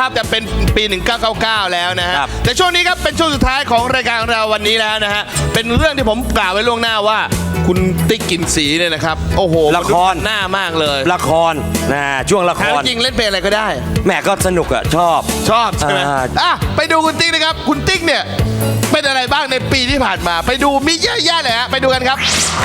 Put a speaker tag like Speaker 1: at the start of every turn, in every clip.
Speaker 1: นะครับจะเป็นปี 1999 แล้วนะฮะแต่ช่วงนี้ครับเป็นช่วงสุดท้ายของรายการของเราวันนี้แล้วนะฮะเป็นเรื่องที่ผมกล่าวไว้ล่วงหน้าว่าคุณติ๊กกลิ่นสีเนี่ยนะครับโอ้โห
Speaker 2: ละคร
Speaker 1: หน้ามากเลย
Speaker 2: ละครนะช่วงละคร
Speaker 1: จริงเล่นเป็นอะไรก็ได้
Speaker 2: แม่ก็สนุกอะชอบ
Speaker 1: ใช่ไหมไปดูคุณติ๊กนะครับคุณติ๊กเนี่ยเป็นอะไรบ้างในปีที่ผ่านมาไปดูมีเยอะแยะเลยฮะไปดูกันครับ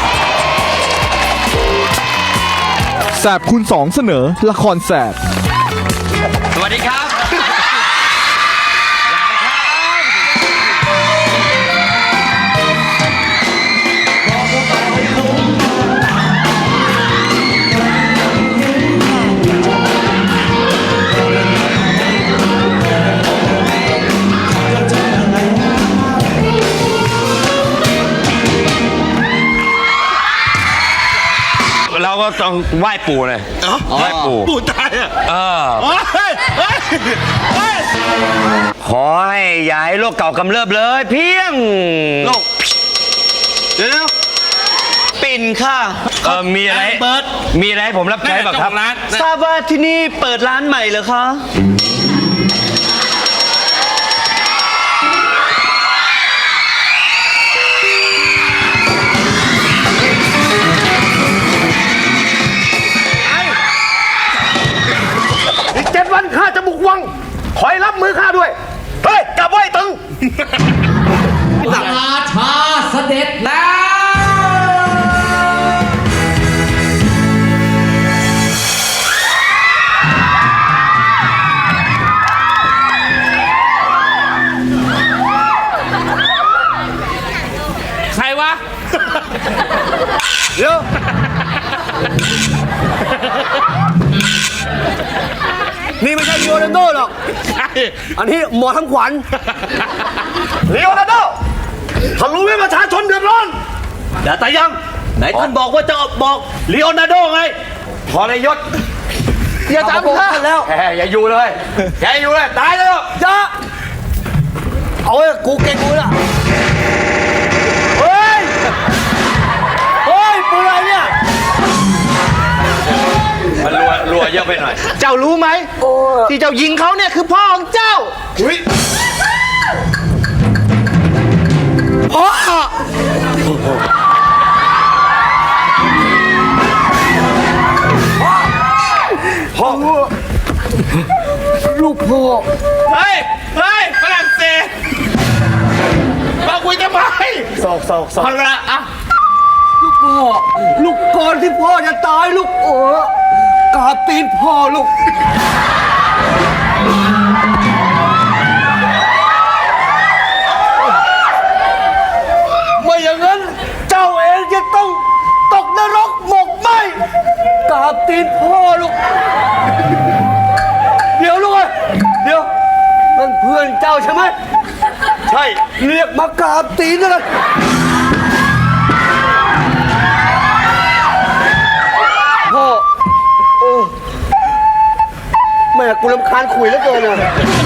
Speaker 3: แสบคูณ2เสนอละครแสบ
Speaker 2: สวัสดีครับเราก็ต้องไหว้ปู่เลยไหว้
Speaker 1: ปู่ตาย
Speaker 2: ขอให้ย้ายโรคเก่ากำเริบเลยเพียง
Speaker 1: โรคเดี๋ยว
Speaker 2: ปิ่นค่ะมีอะไร
Speaker 1: เบิร์ด
Speaker 2: มีอะไรให้ผมรับใช้บ้างครับ
Speaker 4: ทราบว่าที่นี่เปิดร้านใหม่เหรอคะ
Speaker 5: อีก7 วันข้าจะบุกวังคอยรับมือข้าด้วยเฮ้ยกลับไว้ตึง
Speaker 6: ราชาเสด็จแล้ว
Speaker 1: ใครวะ
Speaker 5: เดี๋ยวนี่ไม่ใช่ลีโอนาร์โดหรอกอันนี้หมอทำขวัญลีโอนาร์โดท่านรู้ไหมประชาชนเดือดร้อนแต่ยังไหนท่านบอกว่าจะบอกลีโอนาร์โดไงพอในยศอย่าจำข้าแล้วอย่าอยู่เลยอย่าอยู่เลยตายเลยอย่าเอาไอ้กูเก่งกูละเฮ้ยปืนอะไรเนี่ย
Speaker 2: มันรัวเยอะไปหน่อย
Speaker 5: เจ้ารู้ไหมที่เจ้ายิงเขาเนี่ยคือพ่อของเจ้าพ่อลูกพ่อ
Speaker 1: เฮ้ยฝรั่งเศสมาคุยทำไม
Speaker 5: สอก
Speaker 1: พอละอ่ะ
Speaker 5: ลูกพ่อลูกก่อนที่พ่อจะตายลูกกราบตีนพ่อลูกไม่อย่างนั้นเจ้าเองจะต้องตกนรกหมกไหมกราบตีนพ่อลูกเดี๋ยวลูกเดี๋ยวนั่นเพื่อนเจ้าใช่ไหมใช่เรียกมากราบตีนเลยพ่อแม่กูรำคาญคุยแล้วเกินอ่ะ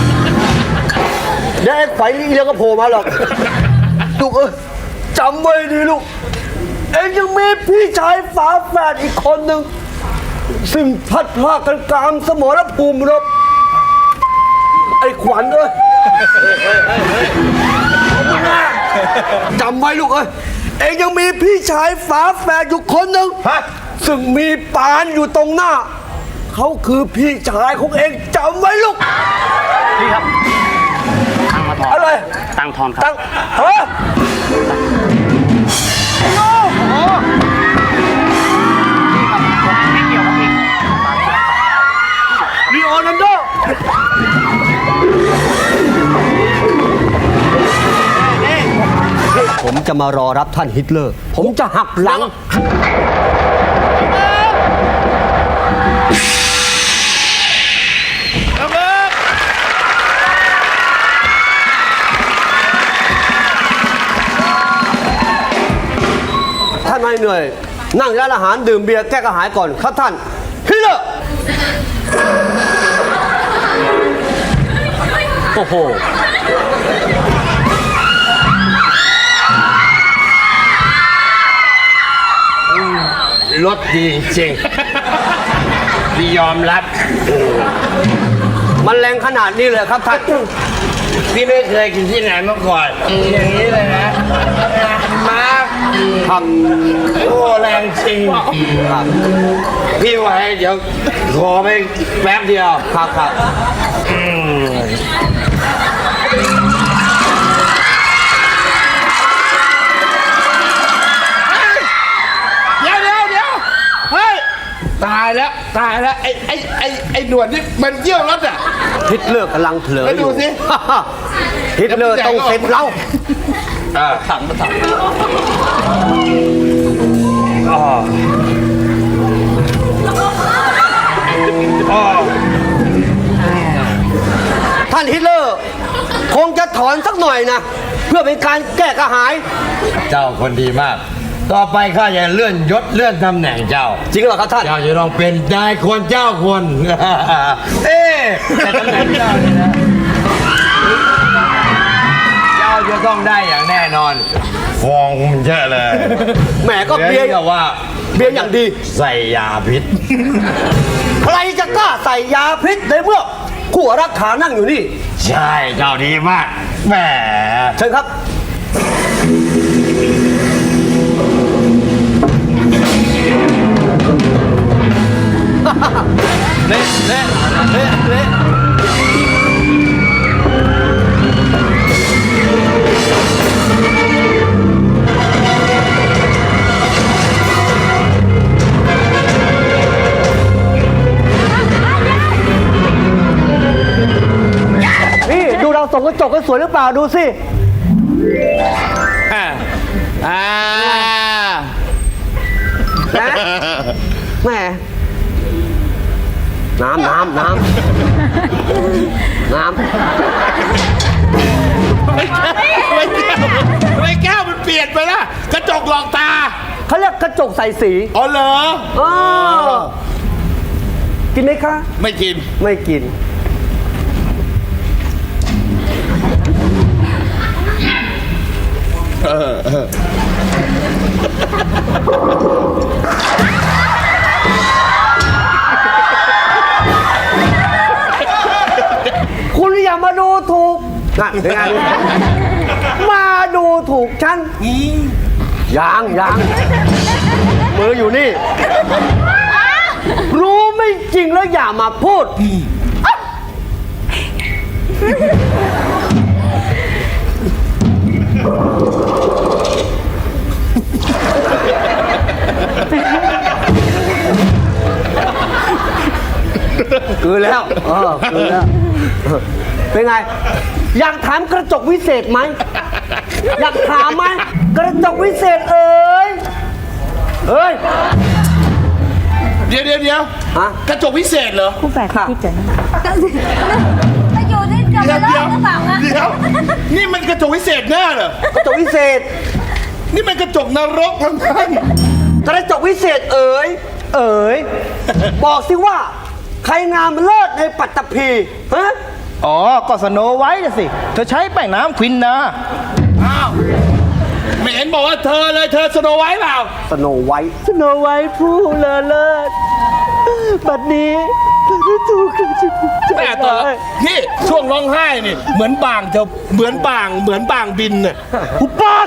Speaker 5: เดี๋ยวไอ้ไฟเลี้ยงก็โผล่มาหรอกลูกจำไว้ดีลูกเอ็งยังมีพี่ชายฝาแฝดอีกคนหนึ่งซึ่งพัดพลาดกันกลางสมรภูมิรบไอ้ขวัญจำไว้ลูกเอ็งยังมีพี่ชายฝาแฝดอยู่คนหนึ่งซึ่งมีปานอยู่ตรงหน้าเขาคือพี่ชายของเองจำไว้ลูก
Speaker 4: พี่ครับตังมาทอน
Speaker 5: อะไร
Speaker 4: ตังทอนครับ
Speaker 5: ตัง
Speaker 4: ไม่เกี่ยวกับพี่
Speaker 5: ลีโอนาร์โดผมจะมารอรับท่านฮิตเลอร์ผมจะหักหลังท่านไม่เหนื่อยนั่งร้านอาหารดื่มเบียร์แก้กระหายก่อนครับท่านฮิตเลอร์โอ้โหรถดีจริงพี่ยอมรับมันแรงขนาดนี้เลยครับท่าน
Speaker 2: พี่ไม่เคยกินที่ไหนมาก่อนอย่างนี้เลยนะมาครับ โอ้แรงจริงครับพี่ไว้เดี๋ยวขอไปแป๊บเดียว
Speaker 5: ครับครับ
Speaker 1: เดี๋ยวเฮ้ยตายแล้วไอ้หนวดนี่มันเยี่ยวรถอ่ะ
Speaker 5: ฮิตเลอร์กำลังเผลอ
Speaker 1: แล้ว
Speaker 5: อ
Speaker 1: ดู
Speaker 5: ยู่
Speaker 1: สิ
Speaker 5: ฮิตเลอร์ต้องเซ็นเรา ท่านฮิตเลอร์คงจะถอนสักหน่อยนะ เพื่อเป็นการแก้กระหาย
Speaker 2: เจ้าคนดีมาก ต่อไปข้าจะเลื่อนยศเลื่อนตำแหน่งเจ้า
Speaker 5: จริงเหรอครับท่าน
Speaker 2: เจ้าจะต้องเป็นนายคนเจ้าคน เอ๊ะแต่ตำแหน่งเจ้าเนี่ยนะ เจ้าจะต้องได้อย่างแน่นอน ฟองมันเยอะเลย
Speaker 5: แหมก็เบียร์
Speaker 2: รีกว่า
Speaker 5: เบียร์อย่างดี
Speaker 2: ใส่ยาพิษ
Speaker 5: ใครจะกล้าใส่ยาพิษในเมื่อคู่รักขานั่งอยู่นี่
Speaker 2: ใช่เจ้าดีมาก แหม
Speaker 5: เชิญครับ เละเละเละเละนี่ดูเราส่องกระจกกันสวยหรือเปล่าดูสิ
Speaker 1: อ่า
Speaker 5: นะแหมน้ำ
Speaker 1: ไม่แก้วมันเปลี่ยนไปละกระจกหลอกตา
Speaker 5: เขาเรียกกระจกใส่สี
Speaker 1: อ๋อเหรอ
Speaker 5: อ๋อกินไหมคะ
Speaker 1: ไม่กิน
Speaker 5: ไม่กิน คุณอย่ามาดูถูกนะเป็นไงมาดูถูกฉันยังมืออยู่นี่ รู้ไม่จริงแล้วอย่ามาพูด คือแล้วคือแล้ว เป็นไง อยากถามกระจกวิเศษไหม อยากถามไหมกระจกวิเศษเอ้ย
Speaker 1: เดี๋ยว
Speaker 5: ฮะ
Speaker 1: กระจกวิเศษเหรอ
Speaker 7: คู่แฝดที่เจอ
Speaker 8: จะอยู่ที่เดียวกันแล้วหรือเปล่าคะ
Speaker 1: เดี๋ยว นี่มันกระจกวิเศษแน่เหรอก
Speaker 5: ระจกวิเศษ
Speaker 1: นี่มันกระจกนรกทั้งนั้น
Speaker 5: กระจกวิเศษเอ๋ย บอกสิว่า ใครงามเลิศในปัตตภีฮะ
Speaker 3: อ๋อ ก็สโนไวท์น่ะสิ เธอใช้แป้งน้ำควินนะ
Speaker 1: อ้าวไม่เห็นบอกว่าเธอเลยเธอสโนไวท์เปล่า
Speaker 5: สโนไวท์
Speaker 3: สโนไวท์ผู้เลอเลิศบัดนี้เธอได้ถูกกระจก
Speaker 1: แต่ตอนนี่ช่วงร้องไห้นี่เหมือนบางจะเหมือนบางบินน่ะ
Speaker 3: หุบปาก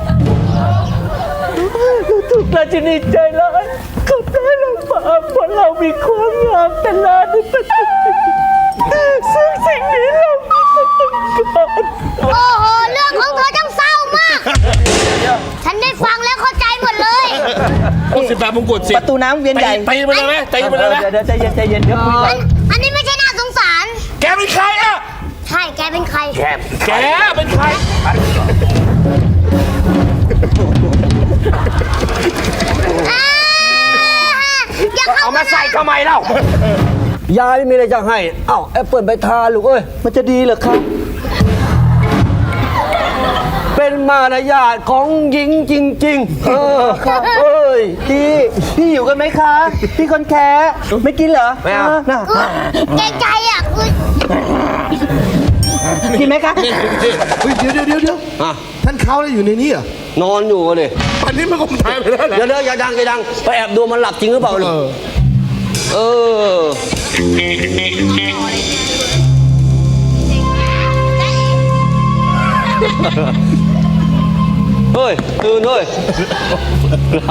Speaker 3: ถูกราชินีใจร้ายเขาได้เรามาเพราะเรามีความงามแต่ลาในปัจจุบันซึ่งสิ่งนี้เราไม่ต้องการ
Speaker 8: โอ้โห เรื่องของเธอจังเศร้ามาก ฉันได้ฟังแล้วเข้าใจหมดเลย
Speaker 1: พวก18 มงกุฎสิ
Speaker 3: ประตูน้ำเวียนใหญ่
Speaker 1: ตีไปเลยไหมตีไปเลยไหม
Speaker 3: เดี๋ยวใจเย็นเดี๋ยวคุยกัน
Speaker 8: อันนี้ไม่ใช่น่าสงสาร
Speaker 1: แกเป็นใครอ่ะ
Speaker 8: ใช่ แกเป็นใคร
Speaker 1: แกเป็นใคร
Speaker 8: อย่าเข้า
Speaker 5: เอามาใส่ทำไมเล่า ยายไม่มีอะไรจะให้ เอ้าแอปเปิลไปทานลูกเอ้ย
Speaker 3: มันจะดีเหรอครับ
Speaker 5: เป็นมารยาทของหญิงจริงๆ
Speaker 3: ครับเอ้ยพี่อยู่กันไหมคะ พี่คนแค่ไม่กินเหรอ
Speaker 5: ไม่เอา
Speaker 3: นะ
Speaker 8: เกรงใจอ่ะคือ
Speaker 3: กินไหมคะ
Speaker 1: เฮ้ยเดี๋ยว
Speaker 5: อ่ะ
Speaker 1: ท่านเขาเลยอยู่ในนี้เหรอน
Speaker 5: อนอยู่เลย
Speaker 1: อันนี้มันคงตายไปแล้วแหละ
Speaker 5: เดี๋ยวอย่าดังไปแอบดูมันหลับจริงหรือเปล่าลูกเออเฮ้ยตื่นเฮ้ยครับ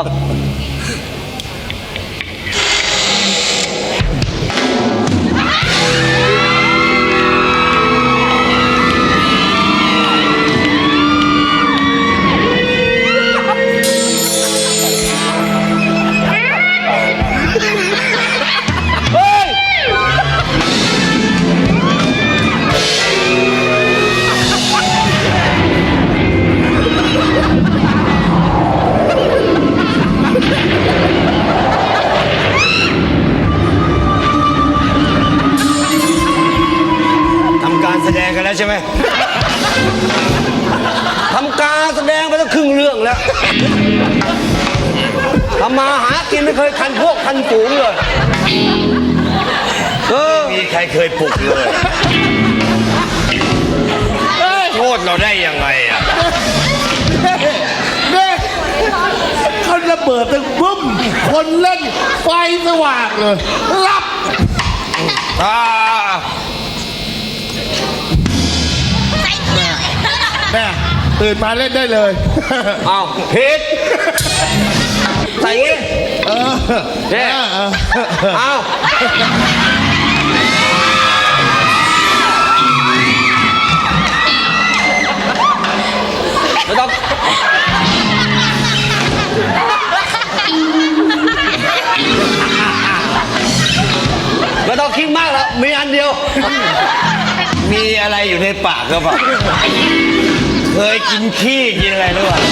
Speaker 5: ทำการแสดงกันแล้วใช่ไหม ทำการแสดงไปตั้งครึ่งเรื่องแล้วทำมาหากินไม่เคยคันพวกคันฝูงเลยมีใครเคยปลุกเลยโทษเราได้ยังไงอ่ะ
Speaker 1: เนี่ยเขาระเบิดตึงบึ้มคนเล่นไฟสว่างเลยรับแม่ตื่นมาเล่นได้เลย
Speaker 5: เอาผิดใส่งี้เนี่ยเอาไม่ต้องไม่ต้องคิดมากแล้วมีอันเดียว
Speaker 2: มีอะไรอยู่ในปากก็เปล่าเคยกินขี้กินอะไรหรือเปล่า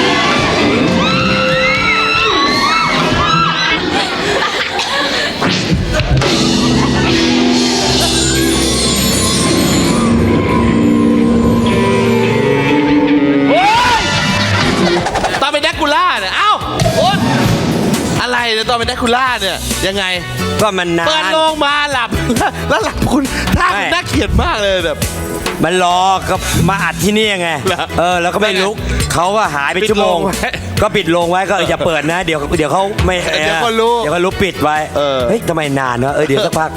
Speaker 1: ตอนเป็นแดกคูล่าเนี่ยเอ้าโอ๊ยอะไรเนี่ยตอนเป็นแดกคูล่าเนี่ยยังไง
Speaker 5: ก็มันนาน
Speaker 1: เปิดโลงมาหลับ แล้วหลับคุณท่าคุณน่าเกลียดมากเลยแบบ
Speaker 5: มันรอก็มาอัดที่นี่ไง
Speaker 1: เหรอ
Speaker 5: แล้วก็ไม่ลุกเขาก็หายไป
Speaker 1: ปิด
Speaker 5: ชั่วโมง
Speaker 1: โรงไว้
Speaker 5: ก็ปิดโรงไว้ก็อย่าเปิดนะ เดี๋ยวเขาไม่
Speaker 1: เดี๋ยวก็รู้
Speaker 5: เดี๋ยวก็รู้ปิดไว้เฮ้ยทำไมนานวะเดี๋ยวสักพัก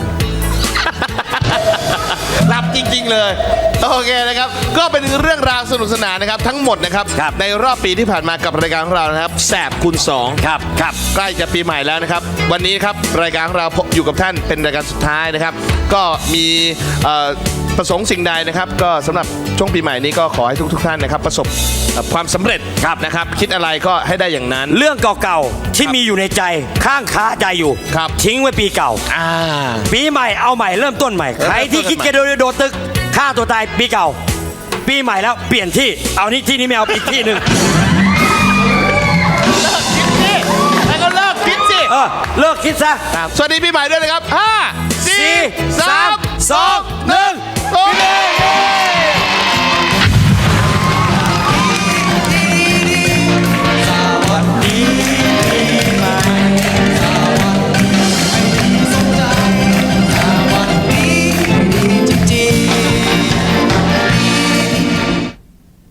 Speaker 1: หลับจริงๆเลยโอเคนะครับก็เป็นเรื่องราวสนุกสนานนะครับทั้งหมดนะครับ
Speaker 5: ครับ
Speaker 1: ในรอบปีที่ผ่านมากับรายการของเรานะครับแสบคูณ2
Speaker 5: ครับครับ
Speaker 1: ใกล้จะปีใหม่แล้วนะครับวันนี้ครับรายการของเราอยู่กับท่านเป็นรายการสุดท้ายนะครับก็มีประสงค์สิ่งใดนะครับก็สำหรับช่วงปีใหม่นี้ก็ขอให้ทุกท่านนะครับประสบความสำเร็จนะครับคิดอะไรก็ให้ได้อย่างนั้น
Speaker 5: เรื่องเก่าๆที่มีอยู่ในใจข้างคาใจอยู่
Speaker 1: ครับ
Speaker 5: ทิ้งไว้ปีเก่า ปีใหม่เอาใหม่เริ่มต้นใหม่ใครที่คิดจะโดดตึกฆ่าตัวตายปีเก่า ปีใหม่แล้วเปลี่ยนที่เอานี่ที่นี้ไม่เอาอีกที่หนึ่ง
Speaker 1: แล้วก็เลิกคิดสิ
Speaker 5: เลิกคิดซะ
Speaker 1: สวัสดีปีใหม่ด้วยนะครับ5 4 3 2 1 โอเค